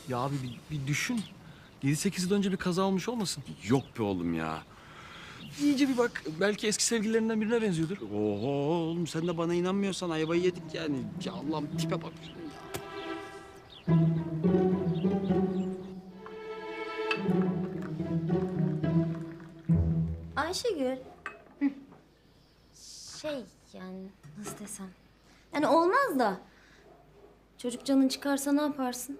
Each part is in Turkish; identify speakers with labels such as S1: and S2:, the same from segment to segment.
S1: Ya abi bir düşün. 7-8 yıl önce bir kaza olmuş olmasın?
S2: Yok be oğlum ya.
S1: İyice bir bak. Belki eski sevgililerinden birine benziyordur.
S2: Oho oğlum sen de bana inanmıyorsan ayvayı yedik yani. Ya Allah'ım tipe bak.
S3: Ayşegül. Şey yani nasıl desem. Yani olmaz da. Çocuk canın çıkarsa ne yaparsın?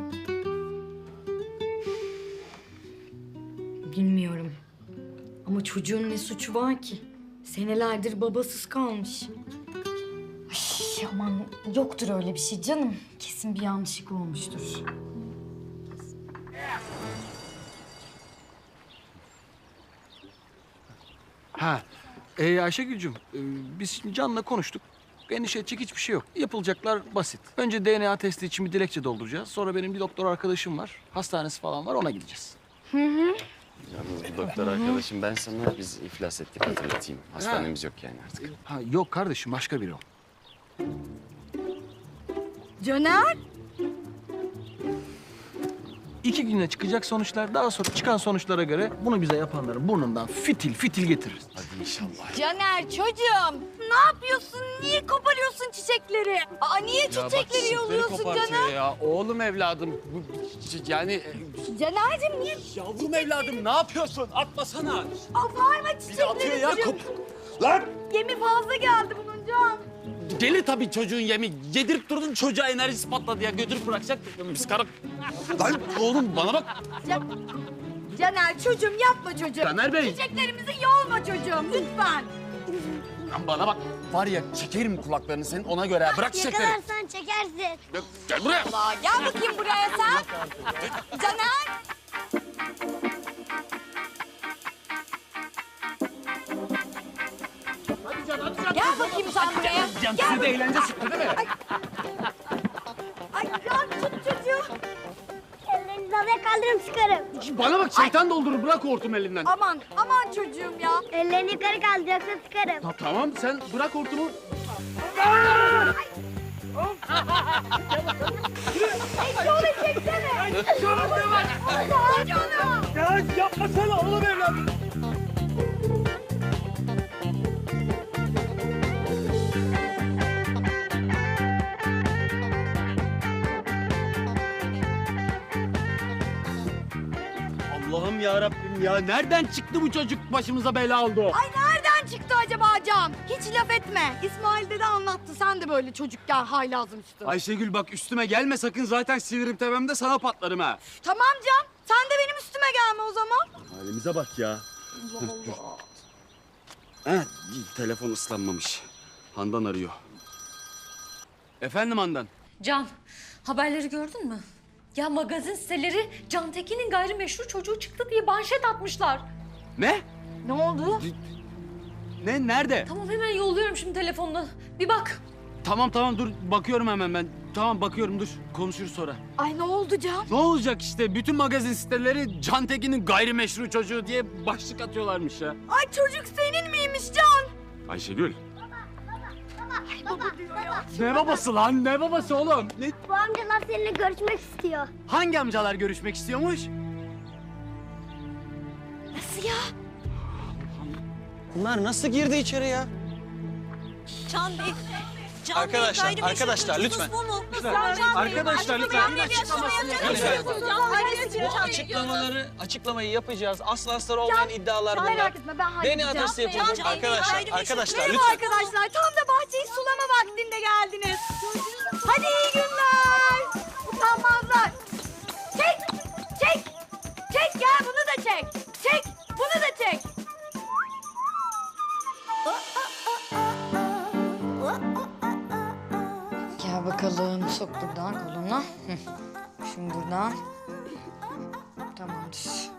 S4: Bilmiyorum. Ama çocuğun ne suçu var ki? Senelerdir babasız kalmış. Ay, aman yoktur öyle bir şey canım. Kesin bir yanlışlık olmuştur.
S1: Ha. Ayşegül'cüm, biz şimdi Can'la konuştuk. Endişe edecek hiçbir şey yok. Yapılacaklar basit. Önce DNA testi için bir dilekçe dolduracağız. Sonra benim bir doktor arkadaşım var. Hastanesi falan var, ona gideceğiz.
S2: Yalnız bu doktor arkadaşım ben sana biz iflas ettik hatırlatayım. Hastanemiz yok yani artık.
S1: Ha yok kardeşim, başka biri o.
S4: Caner?
S1: 2 güne çıkacak sonuçlar. Daha sonra çıkan sonuçlara göre bunu bize yapanların burnundan fitil fitil getiririz.
S2: Hadi inşallah.
S4: Caner çocuğum ne yapıyorsun? Niye koparıyorsun çiçekleri? Aa niye çiçekleri yolluyorsun Caner?
S2: Ya. Oğlum evladım. Yani
S4: Caner'cim niye?
S2: yavrum evladım ne yapıyorsun? Atmasana.
S4: Abarma
S2: Bir de atıyor
S4: çiçekleri
S2: ya.
S4: çocuğum.
S2: Lan!
S4: Yemi fazla geldi bunun Can.
S2: Deli tabii çocuğun yemi. Yedirip durdun çocuğa enerjisi patladı ya. Götürüp bırakacak. Biz karı... Lan oğlum bana bak.
S4: Caner çocuğum yapma çocuğum.
S2: Caner Bey.
S4: Çiçeklerimizi yolma çocuğum lütfen.
S2: Lan bana bak. Var ya çekerim kulaklarını senin ona göre. Bırak çiçekleri.
S3: Yakalarsan çekersin.
S2: Gel buraya.
S4: Aa, gel bakayım buraya sen. Caner. Gel bakayım sen buraya.
S1: Can size de eğlence çıktı değil mi?
S4: Ay Can tut çocuğu.
S3: Ellerinizi havaya kaldırırım sıkarım.
S2: Bana bak şeytan doldurur. Bırak hortum elinden.
S4: Aman aman çocuğum ya.
S3: Ellerini yukarı kaldır yoksa sıkarım.
S2: Tamam sen bırak hortumu.
S4: Şöyle çeksene. Canım.
S2: Ya yapmasana oğlum evladım. Allah'ım ya Rabbim ya nereden çıktı bu çocuk başımıza bela oldu?
S4: Ay nereden çıktı acaba Can? Hiç laf etme. İsmail dede anlattı. Sen de böyle çocukken haylazmıştın.
S2: Ayşegül bak üstüme gelme sakın zaten sinirim tepemde sana patlarım ha.
S4: Tamam Can. Sen de benim üstüme gelme o zaman.
S2: Halimize bak ya.
S4: Allah Allah.
S2: Ha, telefon ıslanmamış. Handan arıyor. Efendim Handan?
S5: Can, haberleri gördün mü? Ya magazin siteleri Can Tekin'in gayrimeşru çocuğu çıktı diye manşet atmışlar.
S2: Ne?
S4: Ne oldu?
S2: Ne? Nerede?
S5: Tamam hemen yolluyorum şimdi telefonla. Bir bak.
S2: Tamam dur bakıyorum hemen ben. Tamam bakıyorum dur konuşuruz sonra.
S4: Ay ne oldu Can?
S2: Ne olacak işte bütün magazin siteleri Can Tekin'in gayrimeşru çocuğu diye başlık atıyorlarmış ya.
S4: Ay çocuk senin miymiş Can?
S2: Ayşegül.
S4: Baba diyor ya.
S2: Ne babası lan? Ne babası oğlum? Ne?
S3: Bu amcalar seninle görüşmek istiyor.
S2: Hangi amcalar görüşmek istiyormuş?
S4: Nasıl ya?
S6: Bunlar nasıl girdi içeri ya?
S7: Can Bey. Can
S6: Arkadaşlar,
S7: Bey, gayrimeşru
S6: arkadaşlar,
S7: çocuğunuz
S6: lütfen.
S7: bu mu?
S6: Arkadaşlar lütfen.
S7: Açıklamasını
S6: Açıklamayı yapacağız. Asla astarı olmayan iddialar bunlar.
S4: Merak etme ben halledeceğim.
S6: DNA testi yapılacak.
S7: Can Bey,
S6: Arkadaşlar,
S7: gayrimeşru-
S6: arkadaşlar
S4: Merhaba
S6: lütfen.
S4: arkadaşlar. Tam da bahçeyi sulama vaktinde geldiniz. Hadi iyi günler. Utanmazlar. Çek gel bunu da çek. Çek bunu da çek.
S8: Gel bakalım. Sok buradan koluna. Hı. Şimdi buradan. Tamamdır.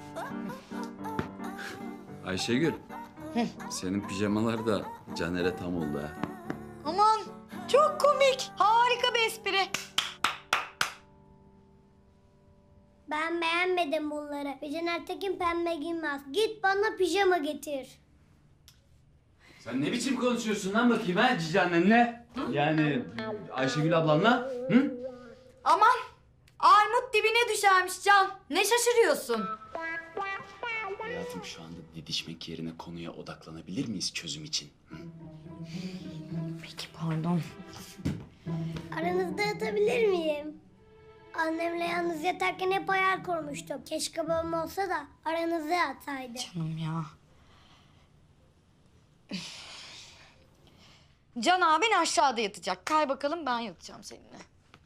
S2: Ayşegül. Senin pijamalar da Caner'e tam oldu ha.
S8: Aman çok komik. Harika bir espri.
S3: Ben beğenmedim bunları. Caner Tekin pembe giymez. Git bana pijama getir.
S2: Sen ne biçim konuşuyorsun lan bakayım ha cici annenle? Yani Ayşegül ablanla? Hı?
S4: Aman Armut düşermiş Can. Ne şaşırıyorsun?
S2: Hayatım şu anda didişmek yerine konuya odaklanabilir miyiz çözüm için? Hı?
S4: Peki pardon.
S9: Aranızda yatabilir miyim? Annemle yalnız yatarken hep hayal kurmuştum. Keşke babam olsa da aranızda yatsaydı.
S4: Canım ya. Can abin aşağıda yatacak. Kay bakalım ben yatacağım seninle.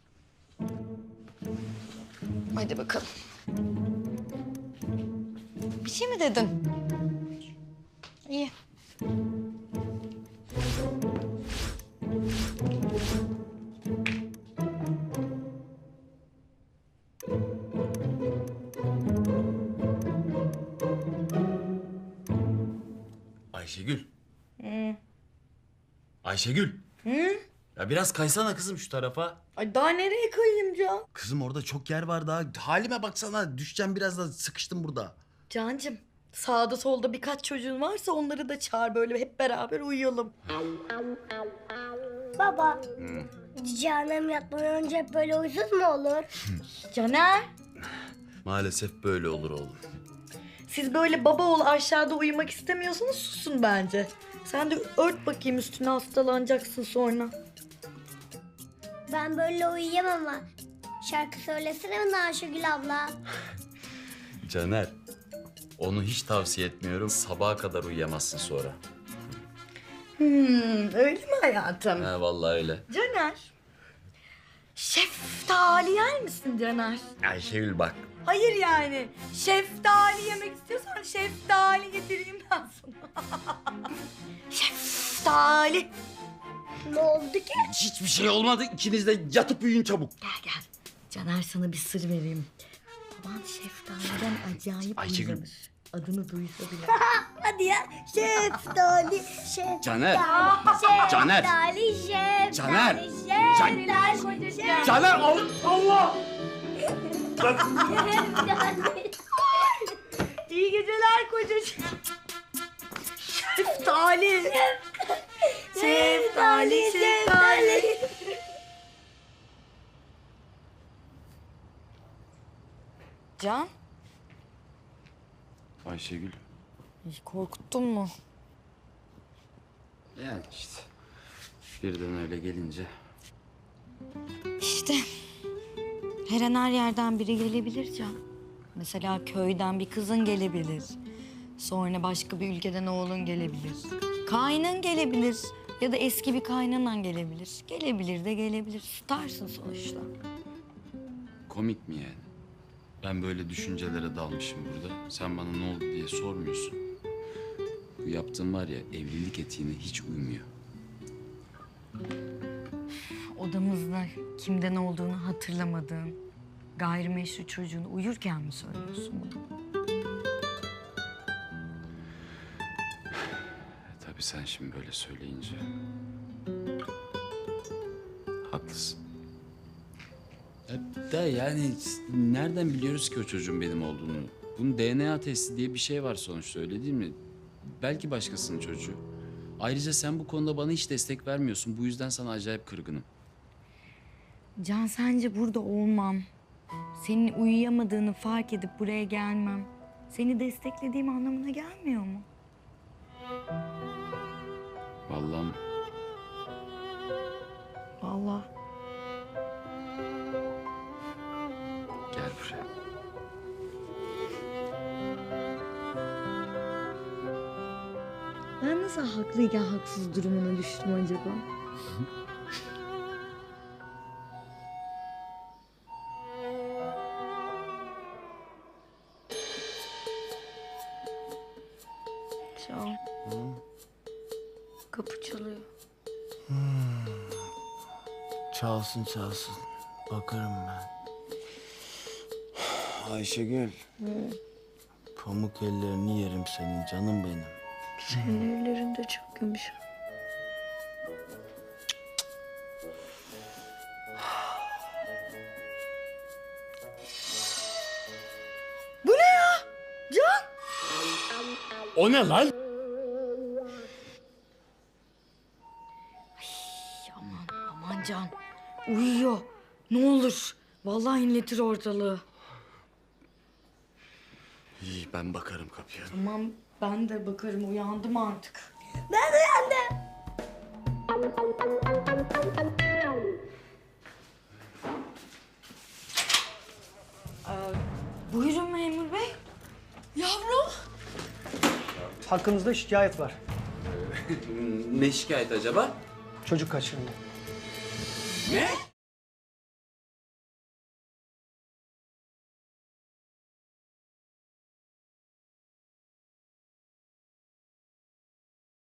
S4: Hadi bakalım. Bir şey mi dedin? İyi.
S2: Ayşegül. Ayşegül. Ya biraz kaysana kızım şu tarafa.
S4: Ay daha nereye kayayım Can?
S2: Kızım orada çok yer var daha. Halime baksana düşeceğim biraz da sıkıştım burada.
S4: Cancım sağda solda birkaç çocuğun varsa onları da çağır böyle hep beraber uyuyalım.
S9: Baba, cici annem yatmadan önce hep böyle huysuz mu olur?
S4: Caner
S2: Maalesef böyle olur oğlum.
S4: siz böyle baba oğul aşağıda uyumak istemiyorsanız susun bence. Sen de ört bakayım üstüne hastalanacaksın sonra.
S9: Ben böyle uyuyamam ama. Şarkı söylesene bana Ayşegül abla.
S2: Caner, onu hiç tavsiye etmiyorum. Sabaha kadar uyuyamazsın sonra.
S4: Öyle mi hayatım?
S2: Ha vallahi öyle.
S4: Caner. Şeftali yer misin Caner?
S2: Ayşegül bak.
S4: Hayır yani. Şeftali yemek istiyorsan şeftali getireyim ben sana. Şeftali.
S9: Ne oldu ki?
S2: Hiçbir şey olmadı. İkiniz de yatıp uyuyun çabuk.
S4: Gel gel. Caner sana bir sır vereyim. Baban şeftaliden acayip
S2: Ayşegül.
S4: uyulanır. Adını duysa bile.
S9: Hadi ya. Şeftali, şeftali.
S2: Caner.
S9: Caner.
S2: Caner.
S9: Şeftali,
S2: Caner.
S9: şeftali.
S2: Caner Allah!
S4: İyi geceler kocacığım. Şeftali. Şeftali, şeftali. Can,
S2: Ayşegül.
S4: korkuttun mu?
S2: Yani işte. Birden öyle gelince.
S4: İşte her an her yerden biri gelebilir Can. Mesela köyden bir kızın gelebilir. Sonra başka bir ülkeden oğlun gelebilir. Kaynın gelebilir. Ya da eski bir kaynanan gelebilir. Gelebilir de gelebilir. Tutarsın sonuçta.
S2: Komik mi yani? Ben böyle düşüncelere dalmışım burada. Sen bana ne oldu diye sormuyorsun. Bu yaptığım var ya evlilik etiğine hiç uymuyor.
S4: Odamızda kimden olduğunu hatırlamadığın gayrimeşru çocuğunu uyurken mi söylüyorsun bunu?
S2: Tabii sen şimdi böyle söyleyince. Haklısın. Da yani nereden biliyoruz ki o çocuğun benim olduğunu? Bunun DNA testi diye bir şey var sonuçta öyle değil mi? Belki başkasının çocuğu. Ayrıca sen bu konuda bana hiç destek vermiyorsun. Bu yüzden sana acayip kırgınım.
S4: Can sence burada olmam, senin uyuyamadığını fark edip buraya gelmem, seni desteklediğim anlamına gelmiyor mu?
S2: Vallahi
S4: Vallahi.
S2: gel buraya.
S4: Ben nasıl haklıyken haksız durumuna düştüm acaba? Can. Kapı çalıyor.
S6: Çalsın çalsın. Bakarım ben. Ayşegül. Pamuk ellerini yerim senin canım benim.
S4: Senin ellerin de çok yumuşak. Bu ne ya? Can!
S2: O ne lan?
S4: Aman Can. Uyuyor. Ne olur. Vallahi inletir ortalığı.
S6: İyi, ben bakarım kapıya.
S4: Tamam ben de bakarım, uyandım artık.
S9: Ben uyandım.
S4: Buyurun memur bey.
S10: Hakkınızda şikayet var.
S2: Ne şikayet acaba?
S10: Çocuk kaçırıldı.
S2: Ne?